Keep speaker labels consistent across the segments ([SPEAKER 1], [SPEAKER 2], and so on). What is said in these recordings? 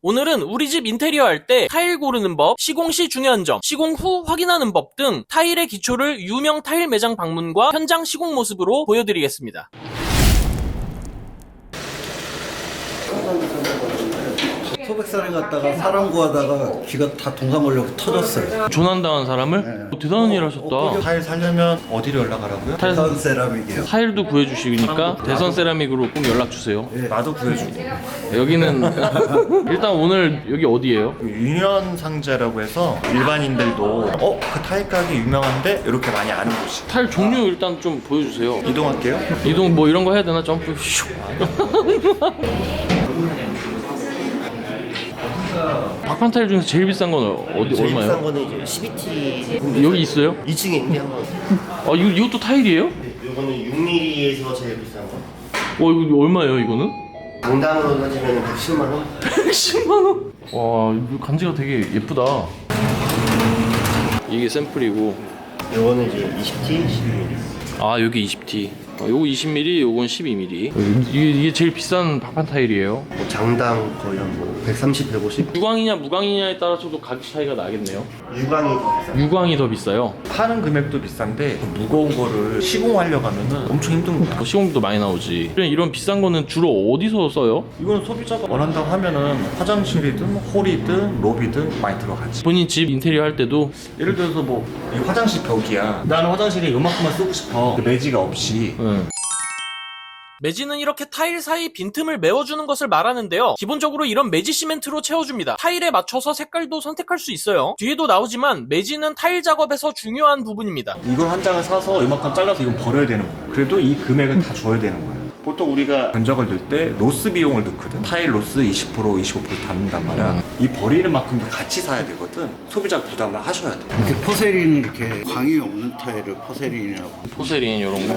[SPEAKER 1] 오늘은 우리 집 인테리어 할 때 타일 고르는 법, 시공 시 중요한 점, 시공 후 확인하는 법 등 타일의 기초를 유명 타일 매장 방문과 현장 시공 모습으로 보여드리겠습니다.
[SPEAKER 2] 소백산에 갔다가 사람 구하다가 귀가 다 동상 걸려서 터졌어요.
[SPEAKER 1] 조난당한 사람을?
[SPEAKER 2] 네.
[SPEAKER 1] 대단한 일 하셨다.
[SPEAKER 3] 타일 살려면 어디로 연락하라고요?
[SPEAKER 2] 대선 세라믹이요.
[SPEAKER 1] 타일도 구해주시니까 대선 세라믹으로 꼭 연락주세요.
[SPEAKER 3] 나도 구해주고.
[SPEAKER 1] 여기는 일단 오늘 여기 어디예요?
[SPEAKER 3] 유년상제라고 해서 일반인들도 그 타일 가게 유명한데 이렇게 많이 아는 곳이.
[SPEAKER 1] 타일 종류 일단 좀 보여주세요.
[SPEAKER 3] 이동할게요.
[SPEAKER 1] 이동 뭐 이런 거 해야 되나? 점프 슉. 박판 타일 중에서 제일 비싼 건 어디
[SPEAKER 4] 제일
[SPEAKER 1] 얼마예요?
[SPEAKER 4] 비싼 거는 이제 CBT
[SPEAKER 1] 여기 있어요?
[SPEAKER 4] 2층에 있는데 한번.
[SPEAKER 1] 이것도 타일이에요?
[SPEAKER 4] 이거는 6mm에서 제일 비싼 거.
[SPEAKER 1] 이거 얼마예요 이거는?
[SPEAKER 4] 당당으로 따지면 110만 원.
[SPEAKER 1] 110만 원? 와, 이거 간지가 되게 예쁘다. 이게 샘플이고,
[SPEAKER 4] 이거는 이제 20T, 12mm.
[SPEAKER 1] 아 여기 20T. 요거 20mm, 요건 12mm. 이게 제일 비싼 박판 타일이에요.
[SPEAKER 4] 뭐 장당 거의 한 130, 150.
[SPEAKER 1] 유광이냐 무광이냐에 따라서도 가격 차이가 나겠네요.
[SPEAKER 4] 유광이 더 비싸.
[SPEAKER 1] 유광이 더 비싸요.
[SPEAKER 3] 파는 금액도 비싼데 무거운 거를 시공하려고 하면은 엄청 힘든 거야.
[SPEAKER 1] 시공비도 많이 나오지. 이런 비싼 거는 주로 어디서 써요?
[SPEAKER 3] 이거는 소비자가 원한다고 하면은 화장실이든 홀이든 로비든 많이 들어가지.
[SPEAKER 1] 본인 집 인테리어 할 때도
[SPEAKER 3] 예를 들어서 뭐 이 화장실 벽이야. 나는 화장실에 요만큼만 쓰고 싶어. 매지가 없이.
[SPEAKER 1] 매지는 이렇게 타일 사이 빈틈을 메워주는 것을 말하는데요. 기본적으로 이런 매지 시멘트로 채워줍니다. 타일에 맞춰서 색깔도 선택할 수 있어요. 뒤에도 나오지만 매지는 타일 작업에서 중요한 부분입니다.
[SPEAKER 3] 이걸 한 장을 사서 이만큼 잘라서 이건 버려야 되는 거야. 그래도 이 금액은 다 줘야 되는 거야. 보통 우리가 견적을 넣을 때 로스 비용을 넣거든. 타일 로스 20%, 25% 담는단 말이야. 이 버리는 만큼도 같이 사야 되거든. 소비자 부담을 하셔야 돼.
[SPEAKER 2] 이렇게 포세린 이렇게 광이 없는 타일을 포세린이라고.
[SPEAKER 1] 포세린 이런 거.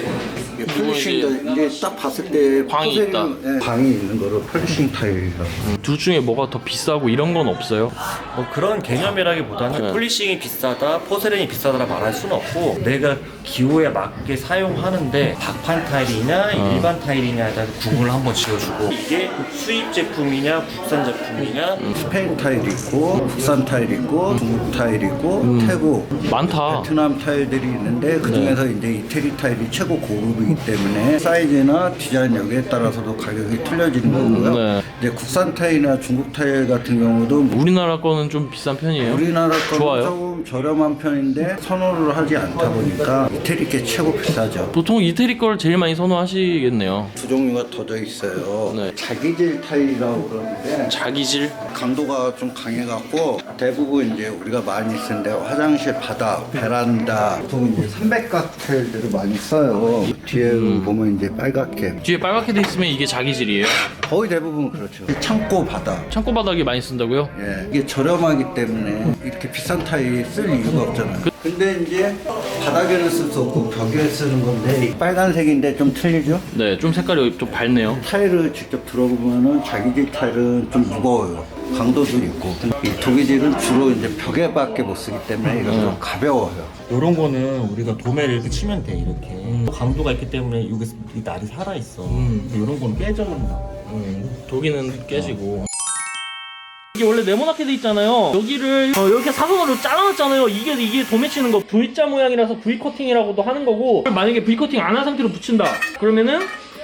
[SPEAKER 2] 이게 폴리싱도 이제 딱 봤을 때
[SPEAKER 1] 광이
[SPEAKER 2] 포세린,
[SPEAKER 1] 있다.
[SPEAKER 2] 광이 있는 거를 폴리싱 타일이라고.
[SPEAKER 1] 둘 중에 뭐가 더 비싸고 이런 건 없어요?
[SPEAKER 3] 뭐 그런 개념이라기보다는
[SPEAKER 1] 네.
[SPEAKER 3] 폴리싱이 비싸다, 포세린이 비싸다라 말할 수는 없고 내가 기호에 맞게 사용하는데 박판 타일이냐 일반 타일이냐에 따라서 구분을 한번 지어주고 이게 수입 제품이냐 국산 제품이냐
[SPEAKER 2] 스페인 타일 있고 국산 타일 있고 중국 타일 있고 태국
[SPEAKER 1] 많다.
[SPEAKER 2] 베트남 타일들이 있는데 그 중에서 이제 이태리 타일이 최고 고급이기 때문에 사이즈나 디자인 여기에 따라서도 가격이 틀려지는 거고요.
[SPEAKER 1] 네.
[SPEAKER 2] 이제 국산 타일이나 중국 타일 같은 경우도
[SPEAKER 1] 우리나라 거는 좀 비싼 편이에요.
[SPEAKER 2] 우리나라 거는
[SPEAKER 1] 좋아요?
[SPEAKER 2] 조금 저렴한 편인데 선호를 하지 않다 보니까 이태리 게 최고 비싸죠.
[SPEAKER 1] 보통 이태리 걸 제일 많이 선호하시겠네요.
[SPEAKER 2] 두 종류가 더져 있어요.
[SPEAKER 1] 네.
[SPEAKER 2] 자기질 타일이라고 그러는데
[SPEAKER 1] 자기질?
[SPEAKER 2] 강도가 좀 강해갖고 대부분 이제 우리가 많이 쓰는데 화장실 바닥, 베란다 보통 이제 300각 타일들을 많이 써요. 뒤에 보면 이제 빨갛게
[SPEAKER 1] 뒤에 빨갛게 돼 있으면 이게 자기질이에요.
[SPEAKER 2] 거의 대부분 그렇죠. 창고 바닥.
[SPEAKER 1] 창고 바닥에 많이 쓴다고요?
[SPEAKER 2] 예, 이게 저렴하기 때문에 이렇게 비싼 타일 쓸 이유가 없잖아요. 근데 이제 바닥에는 쓸 수 없고 벽에 쓰는 건데 빨간색인데 좀 틀리죠?
[SPEAKER 1] 네, 좀 색깔이 좀 밝네요.
[SPEAKER 2] 타일을 직접 들어보면은 자기질 타일은 좀 무거워요. 강도도 있고 이 도기질은 주로 이제 벽에밖에 못 쓰기 때문에 이건 좀 가벼워요.
[SPEAKER 4] 이런 거는 우리가 도매를 이렇게 치면 돼, 이렇게. 강도가 있기 때문에 여기 이 날이 살아있어. 이런 거는 깨져버린다.
[SPEAKER 1] 독이는 깨지고. 이게 원래 네모나게 돼 있잖아요. 여기를 이렇게 사선으로 잘라놨잖아요. 이게 도매치는 거 V자 모양이라서 V 커팅이라고도 하는 거고, 만약에 V 커팅 안 한 상태로 붙인다 그러면은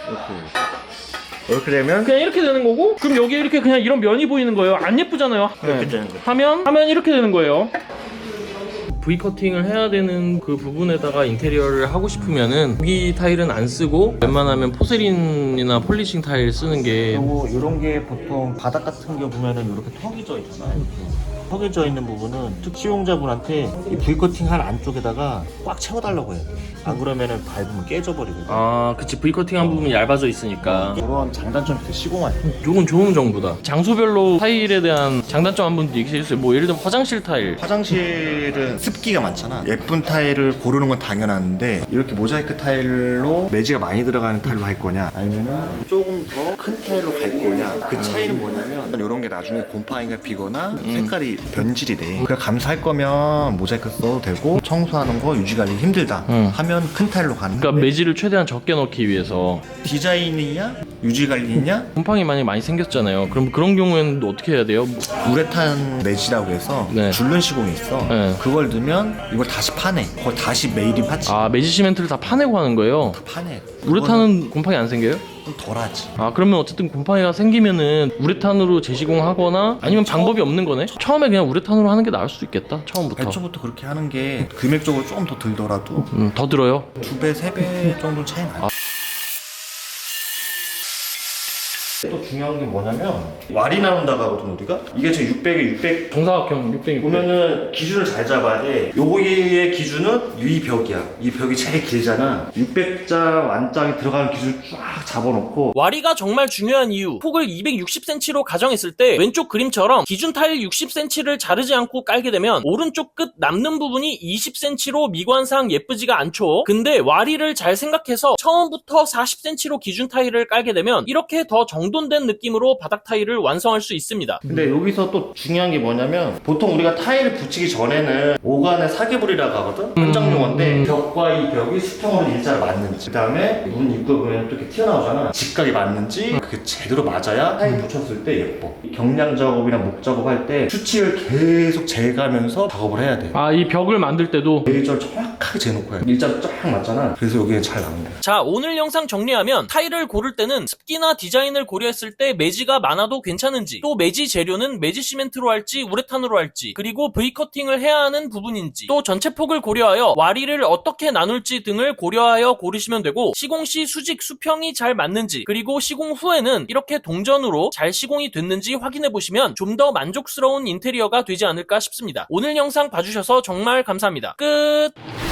[SPEAKER 4] 이렇게 되면
[SPEAKER 1] 그냥 이렇게 되는 거고, 그럼 여기에 이렇게 그냥 이런 면이 보이는 거예요. 안 예쁘잖아요.
[SPEAKER 4] 이렇게 되는 거죠.
[SPEAKER 1] 하면 이렇게 되는 거예요. V 커팅을 해야 되는 그 부분에다가 인테리어를 하고 싶으면은 여기 타일은 안 쓰고 웬만하면 포세린이나 폴리싱 타일 쓰는 게.
[SPEAKER 4] 그리고 이런 게 보통 바닥 같은 게 보면은 이렇게 턱이 져 있잖아. 이렇게. 턱이 져 있는 부분은 시용자분한테 이 V커팅 한 안쪽에다가 꽉 채워달라고 해요. 안 그러면은 밟으면 깨져버리거든.
[SPEAKER 1] 아, 그치. V 커팅 한 부분이 얇아져 있으니까.
[SPEAKER 4] 그런 장단점이 있어, 시공할 때.
[SPEAKER 1] 요건 좋은 정보다. 장소별로 타일에 대한 장단점 한 번 얘기해 주세요. 뭐 예를 들면 화장실 타일.
[SPEAKER 3] 화장실은 습기가 많잖아. 예쁜 타일을 고르는 건 당연한데 이렇게 모자이크 타일로 매지가 많이 들어가는 타일로 할 거냐 아니면은 조금 더 큰 타일로 갈 거냐 그 차이는 뭐냐면 이런 게 나중에 곰팡이가 피거나 색깔이 변질이 돼. 그러니까 감사할 거면 모자이크 써도 되고 청소하는 거 유지관리 힘들다 하면 큰 타일로 가는
[SPEAKER 1] 그러니까
[SPEAKER 3] 건데
[SPEAKER 1] 매질을 최대한 적게 넣기 위해서.
[SPEAKER 3] 디자인이냐 유지 관리냐?
[SPEAKER 1] 곰팡이 많이 생겼잖아요. 그럼 그런 경우에는 또 어떻게 해야 돼요?
[SPEAKER 3] 우레탄 매지라고 해서
[SPEAKER 1] 네.
[SPEAKER 3] 줄눈 시공이 있어.
[SPEAKER 1] 네.
[SPEAKER 3] 그걸 넣으면 이걸 다시 파내. 그걸 다시 매일이 파지.
[SPEAKER 1] 아, 매지 시멘트를 다 파내고 하는 거예요?
[SPEAKER 3] 파내.
[SPEAKER 1] 우레탄은 곰팡이 안 생겨요?
[SPEAKER 3] 좀 덜하지.
[SPEAKER 1] 아, 그러면 어쨌든 곰팡이가 생기면은 우레탄으로 재시공하거나 아니면 방법이 없는 거네? 처음에 그냥 우레탄으로 하는 게 나을 수도 있겠다. 처음부터.
[SPEAKER 3] 애초부터 그렇게 하는 게 금액적으로 조금 더 들더라도
[SPEAKER 1] 더 들어요?
[SPEAKER 3] 2배, 3배 정도 차이 나요.
[SPEAKER 4] 또 중요한 게 뭐냐면 왈이 나온다고 하거든 우리가. 이게 지금 600에 600
[SPEAKER 1] 정사각형 600.
[SPEAKER 4] 보면은 기준을 잘 잡아야 돼. 요거의 기준은 이 벽이야. 이 벽이 제일 길잖아. 600자 완장이 들어가는 기준 쫙 잡아놓고
[SPEAKER 1] 와리가 정말 중요한 이유. 폭을 260cm로 가정했을 때 왼쪽 그림처럼 기준 타일 60cm를 자르지 않고 깔게 되면 오른쪽 끝 남는 부분이 20cm로 미관상 예쁘지가 않죠. 근데 와리를 잘 생각해서 처음부터 40cm로 기준 타일을 깔게 되면 이렇게 더 정돈된 느낌으로 바닥 타일을 완성할 수 있습니다.
[SPEAKER 4] 근데 여기서 또 중요한 게 뭐냐면 보통 우리가 타일을 붙이기 전에는 오간의 사계불이라고 하거든? 현장 용어인데 벽과 이 벽이 수평으로 일자로 맞는지 그 다음에 문 입구 보면 또 이렇게 튀어나오잖아. 직각이 맞는지 그게 제대로 맞아야 타일 붙였을 때 예뻐. 경량 작업이나 목 작업할 때 수치를 계속 재가면서 작업을 해야 돼.
[SPEAKER 1] 아, 이 벽을 만들 때도
[SPEAKER 4] 레이저를 정확하게 재놓고 해야 돼. 일자로 쫙 맞잖아. 그래서 여기에 잘 나오는 거야.
[SPEAKER 1] 자, 오늘 영상 정리하면 타일을 고를 때는 습기나 디자인을 고려했을 때 매지가 많아도 괜찮은지, 또 매지 재료는 매지 시멘트로 할지 우레탄으로 할지, 그리고 V커팅을 해야 하는 부분인지, 또 전체 폭을 고려하여 와리를 어떻게 나눌지 등을 고려하여 고르시면 되고, 시공 시 수직 수평이 잘 맞는지, 그리고 시공 후에는 이렇게 동전으로 잘 시공이 됐는지 확인해 보시면 좀 더 만족스러운 인테리어가 되지 않을까 싶습니다. 오늘 영상 봐주셔서 정말 감사합니다. 끝!